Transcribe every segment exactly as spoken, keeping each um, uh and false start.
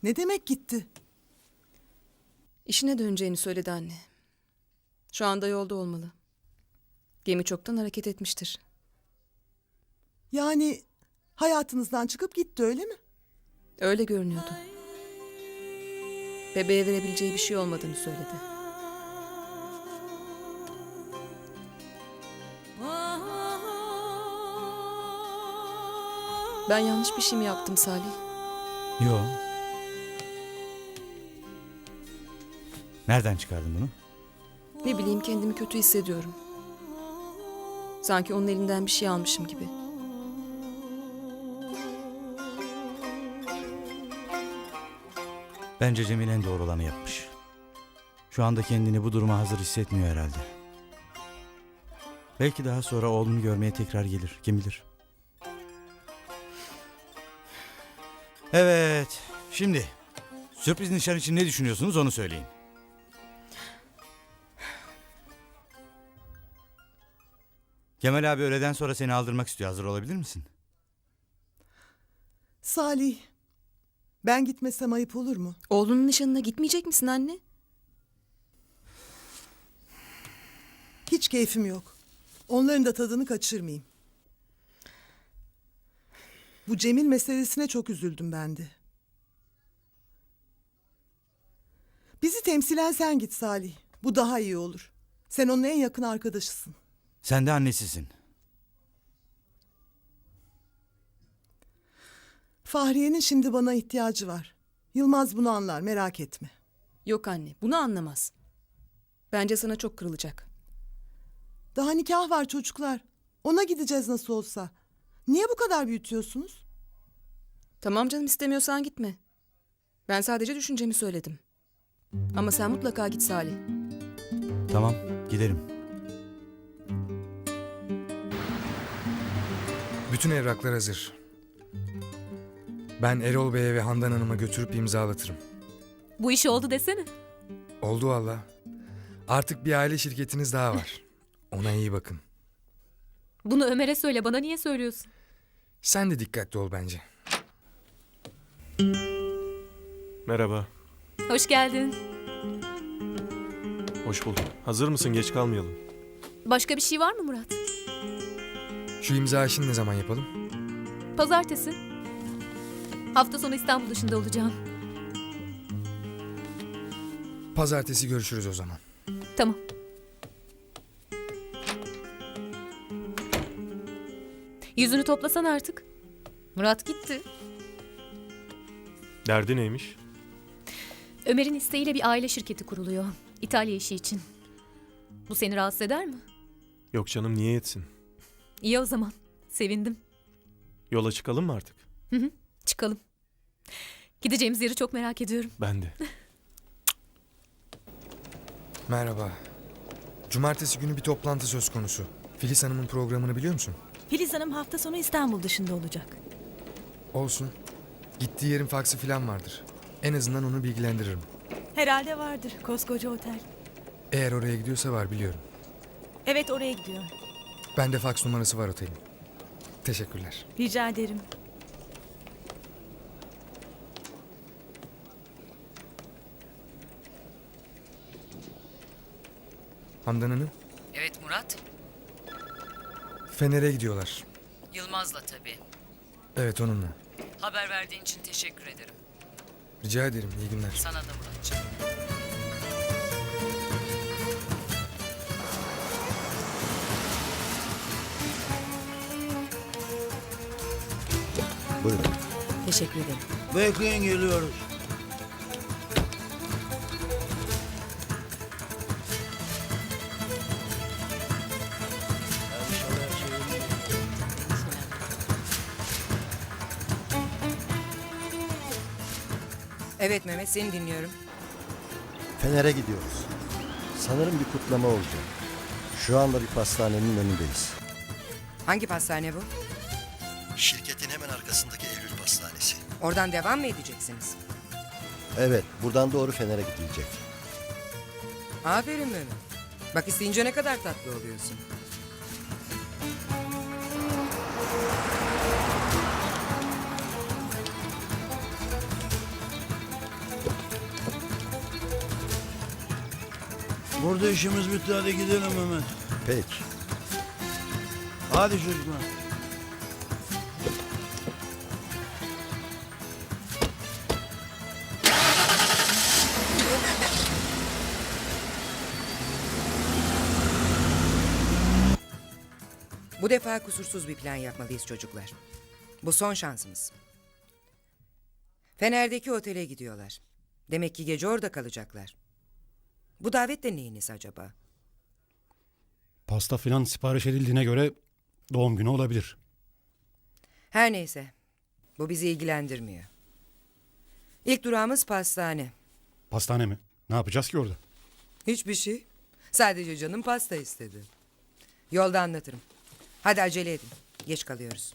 Ne demek gitti? İşine döneceğini söyledi anne. Şu anda yolda olmalı. Gemi çoktan hareket etmiştir. Yani hayatınızdan çıkıp gitti öyle mi? Öyle görünüyordu. Bebeğe verebileceği bir şey olmadığını söyledi. Ben yanlış bir şey mi yaptım Salih? Yo. Nereden çıkardın bunu? Ne bileyim, kendimi kötü hissediyorum. Sanki onun elinden bir şey almışım gibi. Bence Cemil en doğru olanı yapmış. Şu anda kendini bu duruma hazır hissetmiyor herhalde. Belki daha sonra oğlunu görmeye tekrar gelir. Kim bilir? Evet. Şimdi sürpriz nişan için ne düşünüyorsunuz onu söyleyin. Kemal abi öğleden sonra seni aldırmak istiyor. Hazır olabilir misin? Salih, ben gitmesem ayıp olur mu? Oğlunun nişanına gitmeyecek misin anne? Hiç keyfim yok. Onların da tadını kaçırmayayım. Bu Cemil meselesine çok üzüldüm ben de. Bizi temsilen sen git Salih. Bu daha iyi olur. Sen onun en yakın arkadaşısın. Sen de annesisin. Fahriye'nin şimdi bana ihtiyacı var. Yılmaz bunu anlar, merak etme. Yok anne, bunu anlamaz. Bence sana çok kırılacak. Daha nikah var çocuklar. Ona gideceğiz nasıl olsa. Niye bu kadar büyütüyorsunuz? Tamam canım, istemiyorsan gitme. Ben sadece düşüncemi söyledim. Ama sen mutlaka git Salih. Tamam, giderim. Bütün evraklar hazır. Ben Erol Bey'e ve Handan Hanım'a götürüp imzalatırım. Bu iş oldu desene. Oldu valla. Artık bir aile şirketiniz daha var. Ona iyi bakın. Bunu Ömer'e söyle, bana niye söylüyorsun? Sen de dikkatli ol bence. Merhaba, Hoş geldin. hoş bulduk. Hazır mısın? Geç kalmayalım. Başka bir şey var mı Murat? Şu imza işini ne zaman yapalım? Pazartesi. Hafta sonu İstanbul dışında olacağım. Pazartesi görüşürüz o zaman. Tamam. Yüzünü toplasan artık. Murat gitti. Derdi neymiş? Ömer'in isteğiyle bir aile şirketi kuruluyor. İtalya işi için. Bu seni rahatsız eder mi? Yok canım, niye etsin? İyi o zaman. Sevindim. Yola çıkalım mı artık? Hı hı. Çıkalım. Gideceğimiz yeri çok merak ediyorum. Ben de. Merhaba. Cumartesi günü bir toplantı söz konusu. Filiz Hanım'ın programını biliyor musun? Filiz Hanım hafta sonu İstanbul dışında olacak. Olsun. Gittiği yerin faksı falan vardır. En azından onu bilgilendiririm. Herhalde vardır, koskoca otel. Eğer oraya gidiyorsa var, biliyorum. Evet, oraya gidiyor. Bende faks numarası var otelin. Teşekkürler. Rica ederim. Handan Hanım, Evet Murat, Fener'e gidiyorlar. Yılmaz'la tabii. Evet, onunla. Haber verdiğin için teşekkür ederim. Rica ederim, iyi günler. Sana da Muratcığım. Buyurun. Teşekkür ederim. Bekleyin, geliyoruz. Evet Mehmet, seni dinliyorum. Fener'e gidiyoruz. Sanırım bir kutlama olacak. Şu anda bir pastanenin önündeyiz. Hangi pastane bu? Şirketin hemen arkasındaki Eylül Pastanesi. Oradan devam mı edeceksiniz? Evet, buradan doğru Fener'e gidilecek. Aferin Mehmet. Bak, isteyince ne kadar tatlı oluyorsun. Burada işimiz bitti, hadi gidelim Mehmet. Peki. Hadi çocuklar. Bu defa kusursuz bir plan yapmalıyız çocuklar. Bu son şansımız. Fener'deki otele gidiyorlar. Demek ki gece orada kalacaklar. Bu davet de neyiniz acaba? Pasta filan sipariş edildiğine göre doğum günü olabilir. Her neyse. Bu bizi ilgilendirmiyor. İlk durağımız pastane. Pastane mi? Ne yapacağız ki orada? Hiçbir şey. Sadece canım pasta istedi. Yolda anlatırım. Hadi acele edin. Geç kalıyoruz.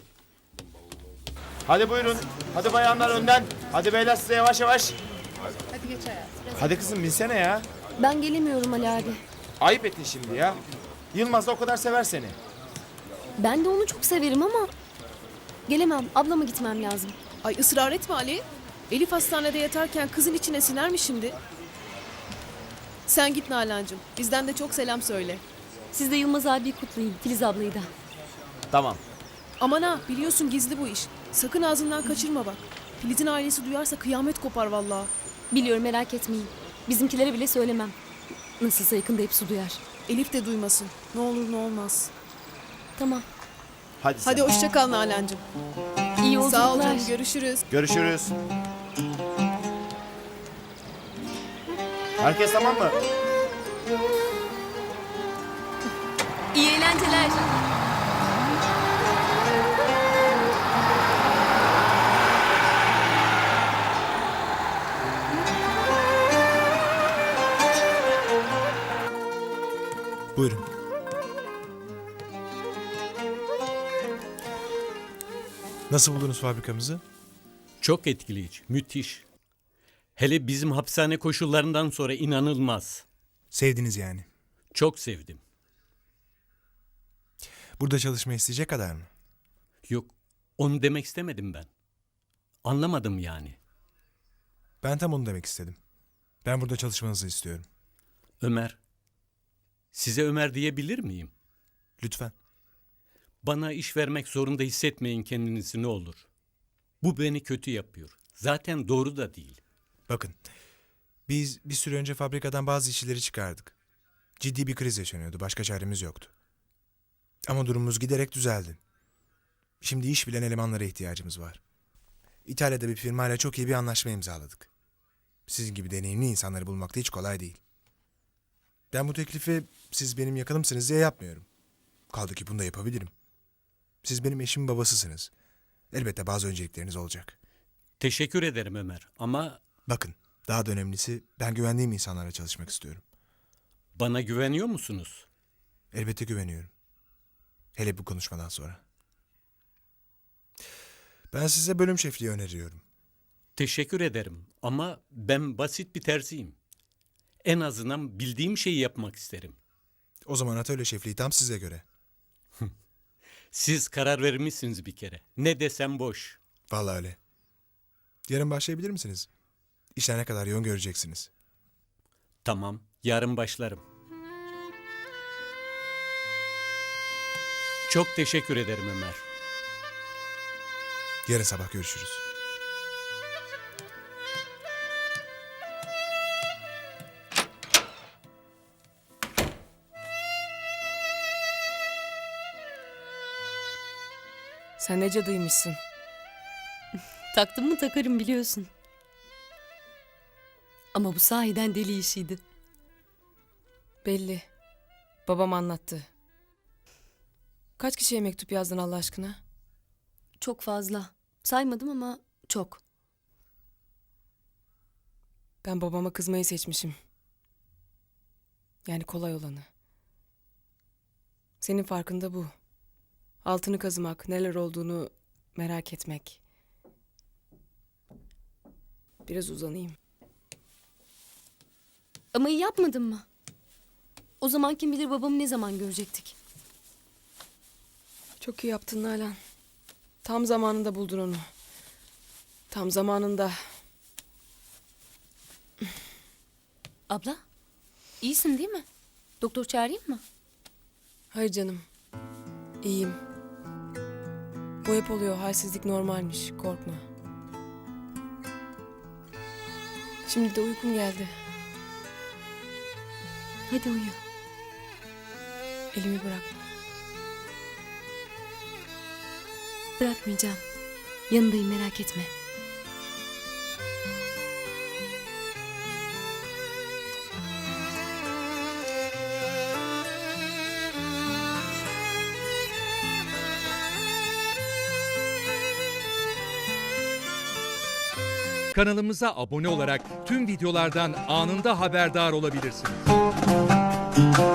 Hadi buyurun. Hadi bayanlar önden. Hadi beyler size yavaş yavaş. Hadi geç hayatım. Hadi kızım binsene ya. Ben gelemiyorum Ali abi. Ayıp ettin şimdi ya. Yılmaz da o kadar sever seni. Ben de onu çok severim ama gelemem. Ablama gitmem lazım. Ay ısrar etme Ali. Elif hastanede yatarken kızın içine siner mi şimdi? Sen git Nalan'cığım. Bizden de çok selam söyle. Siz de Yılmaz abiyi kutlayın. Filiz ablayı da. Tamam. Aman ha, biliyorsun gizli bu iş. Sakın ağzından kaçırma bak. Filiz'in ailesi duyarsa kıyamet kopar vallahi. Biliyorum, merak etmeyin. Bizimkilere bile söylemem. Nasılsa yakında hepsi duyar. Elif de duymasın. Ne olur ne olmaz. Tamam. Hadi sen. Hadi hoşça kal Nalan'cığım. İyi yolculuklar. Sağ ol canım, görüşürüz. Görüşürüz. Herkes tamam mı? İyi eğlenceler. Buyurun. Nasıl buldunuz fabrikamızı? Çok etkileyici, müthiş. Hele bizim hapishane koşullarından sonra inanılmaz. Sevdiniz yani. Çok sevdim. Burada çalışmayı isteyecek kadar mı? Yok, onu demek istemedim ben. Anlamadım yani. Ben tam onu demek istedim. Ben burada çalışmanızı istiyorum. Ömer, size Ömer diyebilir miyim? Lütfen. Bana iş vermek zorunda hissetmeyin kendinizi ne olur. Bu beni kötü yapıyor. Zaten doğru da değil. Bakın. Biz bir süre önce fabrikadan bazı işçileri çıkardık. Ciddi bir kriz yaşanıyordu. Başka çaremiz yoktu. Ama durumumuz giderek düzeldi. Şimdi iş bilen elemanlara ihtiyacımız var. İtalya'da bir firmayla çok iyi bir anlaşma imzaladık. Sizin gibi deneyimli insanları bulmak da hiç kolay değil. Ben bu teklifi siz benim yakınımsınız diye yapmıyorum. Kaldı ki bunu da yapabilirim. Siz benim eşimin babasısınız. Elbette bazı öncelikleriniz olacak. Teşekkür ederim Ömer ama Bakın, daha da önemlisi ben güvendiğim insanlarla çalışmak istiyorum. bana güveniyor musunuz? Elbette güveniyorum. Hele bu konuşmadan sonra. Ben size bölüm şefliği öneriyorum. Teşekkür ederim ama ben basit bir terziyim. En azından bildiğim şeyi yapmak isterim. O zaman atölye şefliği tam size göre. Siz karar vermişsiniz bir kere. Ne desem boş. Vallahi öyle. Yarın başlayabilir misiniz? İşler ne kadar yoğun göreceksiniz. Tamam, yarın başlarım. Çok teşekkür ederim Ömer. Yarın sabah görüşürüz. Sen ne cadıymışsın. Taktım mı takarım biliyorsun. Ama bu sahiden deli işiydi. Belli. Babam anlattı. Kaç kişiye mektup yazdın Allah aşkına? Çok fazla. Saymadım ama çok. Ben babama kızmayı seçmişim. Yani kolay olanı. Senin farkında bu. Altını kazımak, neler olduğunu merak etmek. Biraz uzanayım. Ama iyi yapmadın mı? O zaman kim bilir babamı ne zaman görecektik. Çok iyi yaptın Nalan. Tam zamanında buldun onu. Tam zamanında. Abla? İyisin değil mi? Doktor çağırayım mı? Hayır canım. İyiyim. Bu hep oluyor. Halsizlik normalmiş. Korkma. Şimdi de uykum geldi. Hadi uyu. Elimi bırakma. Bırakmayacağım. Yanındayım, merak etme. Kanalımıza abone olarak tüm videolardan anında haberdar olabilirsiniz.